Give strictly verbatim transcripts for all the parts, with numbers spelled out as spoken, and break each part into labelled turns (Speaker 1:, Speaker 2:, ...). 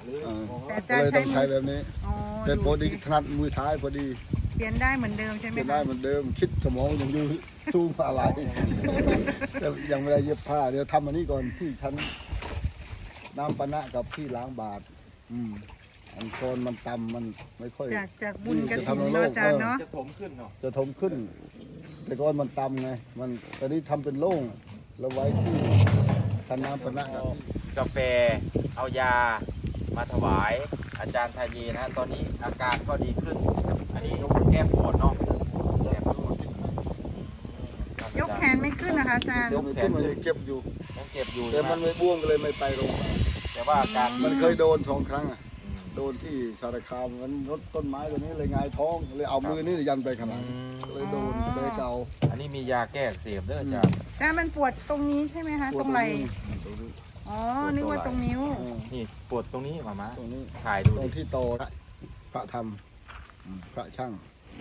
Speaker 1: เลย
Speaker 2: แต่อาจารย์ใช้
Speaker 3: ต้องใช้แบบนี้
Speaker 2: อ๋อ
Speaker 3: แต่พอดี
Speaker 2: สิ
Speaker 3: ถนัดมือท้ายพอดี
Speaker 2: เขียนได้เหมือนเดิมใช่ไหม
Speaker 3: จะ
Speaker 2: คะ
Speaker 3: ได้เหมือนเดิมคิดสมองยังอยู่สู้อะไรแต่ยังไม่ได้เย็บผ้าเดี๋ยวทำอันนี้ก่อนที่ชั้นน้ำปะนะกับที่ล้างบาทอืมอันโซนมันต่ำมันไม่ค่อย
Speaker 2: จากจากบุญกระ
Speaker 3: จะ
Speaker 2: ถิ่น
Speaker 3: ทำให้
Speaker 2: เนาะ
Speaker 3: โลก
Speaker 2: อาจารย์เนาะ
Speaker 1: จะถมขึ้นเนาะ
Speaker 3: จะถมขึ้น แต่ก่อนมันต่ำไงมันตอนนี้ทำเป็นโล่งแล้วไว้ที่ชั้นน้ำปะนะกับ
Speaker 1: กาแฟเอายามาถวายอาจารย์ทายีนะตอนนี้อาการก็ดีขึ้น อันนี้แก้ปวดเนาะแก้ปวด
Speaker 2: ยกแขนไม่ขึ้นนะคะอาจารย์
Speaker 3: ยกขึ้นมันยังเก็บอยู่
Speaker 1: ยังเจ็บอยู่
Speaker 3: แต่มันไม่บ้วงก็เลยไม่ไปโรงพยาบาล
Speaker 1: แต่ว่าอาการ
Speaker 3: มันเคยโดนสองครั้งอ่ะโดนที่สารคามมันรถต้นไม้ตัวนี้เลยหงายท้องเลยเอามือนี่ยันไปขนาดเลยโดนเลยเกา
Speaker 1: อันนี้มียาแก้อักเสบเด้ออาจารย์
Speaker 2: อาจารย์มันปวดตรงนี้ใช่ไหมคะ ตรงไหล่อ๋อ นึกว่าตรงนิ้ว
Speaker 1: นี่ปวดตรงนี้มามา
Speaker 3: ตรงนี้
Speaker 1: ถ่ายดู
Speaker 3: ตร
Speaker 1: ดิ
Speaker 3: งที่โตพระธรรมพระช่าง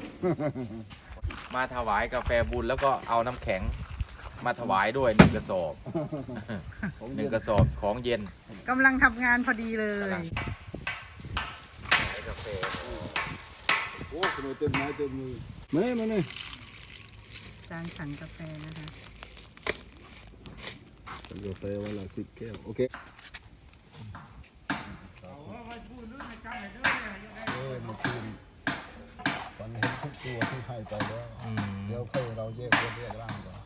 Speaker 1: มาถวายกาแฟบุญแล้วก็เอาน้ำแข็งมาถวายด้วยหนึ่งกระสอบหนึ่งกระสอบของเย็น
Speaker 2: กำลังทำงานพอดีเลย
Speaker 1: กำลัง กาแฟ
Speaker 3: โอ้ขนมเต็มไม้เต็มมือมาเนี่ยมาเนี่ย
Speaker 2: อาจารย์สั่งกาแฟนะคะ
Speaker 3: กาแฟวันละสิบแก้วโอเคเออมาคืนฝันเห็นทุกตัวที่ให้ไปแล้ว
Speaker 1: อืม
Speaker 3: เดี๋ยวค่อยเราแยกแยกแยกร่างก่อน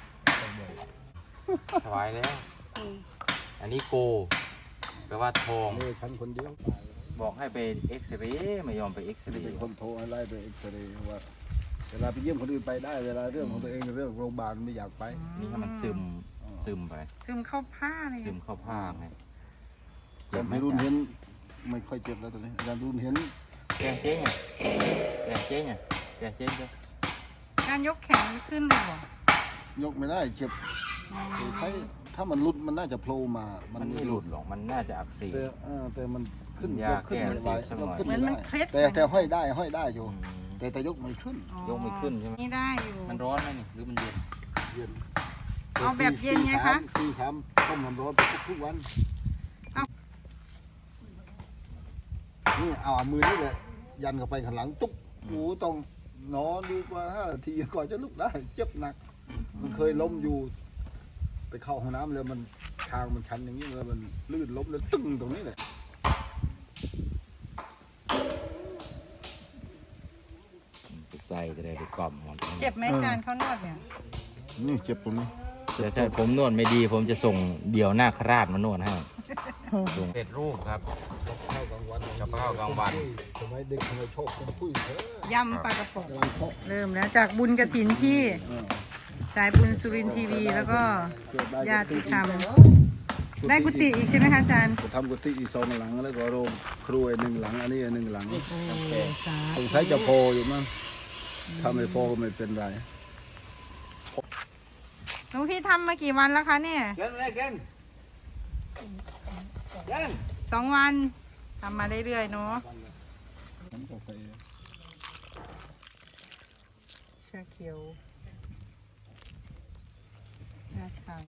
Speaker 1: ถวายแล้ว อันนี้โกแปลว่าทอง
Speaker 3: นี่ฉันคนเดียว
Speaker 1: บอกให้ไปเอ็กซเรย์ไม่ยอมไปเอ็กซเร
Speaker 3: เป็น
Speaker 1: ย์
Speaker 3: คนโทรให้ไล่ไปเอ็กซเรย์ว่าเวลาไปเยี่ยมคนอื่นไปได้เวลาเรื่องของตัวเองเรื่องโรงพยาบาลไม่อยากไป
Speaker 1: นี่ให้มันซึมซึมไป
Speaker 2: ซึมเข้าผ้าเลย
Speaker 1: ซึมเข้าผ้าไง
Speaker 3: แต่ไม่รุ่นเห็นไม่ค่อยเจ็บแล้วตอนนี้อาจารย์รุ่นเห็น
Speaker 1: แกงเจ๊งอ่ะแกงเจ๊งอ่ะแกงเจ๊งเจ้า
Speaker 2: การยกแขนขึ้นเลยเหรอย
Speaker 3: กไม่ได้เจ็บถ้าถ้ามันหลุดมันน่าจะโผล่มา
Speaker 1: มันไม่หลุดหรอกมันน่าจะอักเสบ
Speaker 3: แต่เออแต่มันขึ้น
Speaker 1: ยาย
Speaker 3: กขึ้นไม่ไหว
Speaker 1: แก้อักเสบสักหน่อย
Speaker 3: ยกขึ้น
Speaker 2: เหมือน
Speaker 3: ไม่
Speaker 2: มัน
Speaker 3: ได้
Speaker 2: เคล็ด
Speaker 3: แต่แต่ห้อยได้ห้อยได้อยู่
Speaker 1: อืม
Speaker 3: แต่แต่ยกไม่ขึ้น
Speaker 2: อ๋อย
Speaker 1: กไม่ขึ้นใช่ไหม
Speaker 2: นี่ได้อยู่
Speaker 1: มันร้อนไหมนี่หรือมันเย็น
Speaker 3: เย็น
Speaker 2: เอาแบบเย็นไงคะ
Speaker 3: ตีสามต้มน้ำร้อนไปทุกๆวัน
Speaker 2: เอา
Speaker 3: นี่เอามือนี่แหละยันเข้าไปข้างหลังตุ๊กหมูต้องนอนดูกว่าห้านาทีก่อนจะลุกได้เจ็บหนัก มันเคยล้มอยู่ ไปเข้าห้องน้ำแล้วมันทางมันชันอย่างนี้เลยมันลื่นล้มแล้วตึ้งตรงนี้แหละ
Speaker 1: ไปใส่ก็ได้ไปกล่อมมัน
Speaker 2: เจ็บไหมอาจารย์เขานวดเนี่ย
Speaker 3: นี่เจ็บตรงนี้
Speaker 1: แต่ถ้าผมนวดไม่ดีผมจะส่งเดี่ยวหน้าคราดมานวดให้ส่งเป็ดรูปครับ
Speaker 3: ข้าวกลางวัน
Speaker 1: กับข้าวกลางวัน
Speaker 3: ทำไมเด็กทำไมชอบเป็นผู้หญิงเถอะ
Speaker 2: ยำปลากระป๋อง
Speaker 3: กำลังเพาะ
Speaker 2: เริ่มแล้วจากบุญกระถินที่
Speaker 3: เออ
Speaker 2: สายบุญสุรินทร์ทีวี แล้วก็
Speaker 3: เกิดได้
Speaker 2: ญาติธรรม ได้กุฏิอีกใช่ไหมคะอาจารย์
Speaker 3: จะทำกุฏิอีกสองหลังแล้วก็โรงครัวหนึ่งหลังอันนี้หนึ่งหลัง
Speaker 2: โอ้สา
Speaker 3: สงสัยจะพออยู่มั้งถ้าไม่พอก็ไม่เป็นไร
Speaker 2: หลวงพี่ทำมากี่วันแล้วคะเนี่ย
Speaker 3: เกินเลยเกินเกิน
Speaker 2: สองวันทำมาเรื่อยๆเนาะ
Speaker 3: น้ำกาแฟ
Speaker 2: ชาเขียว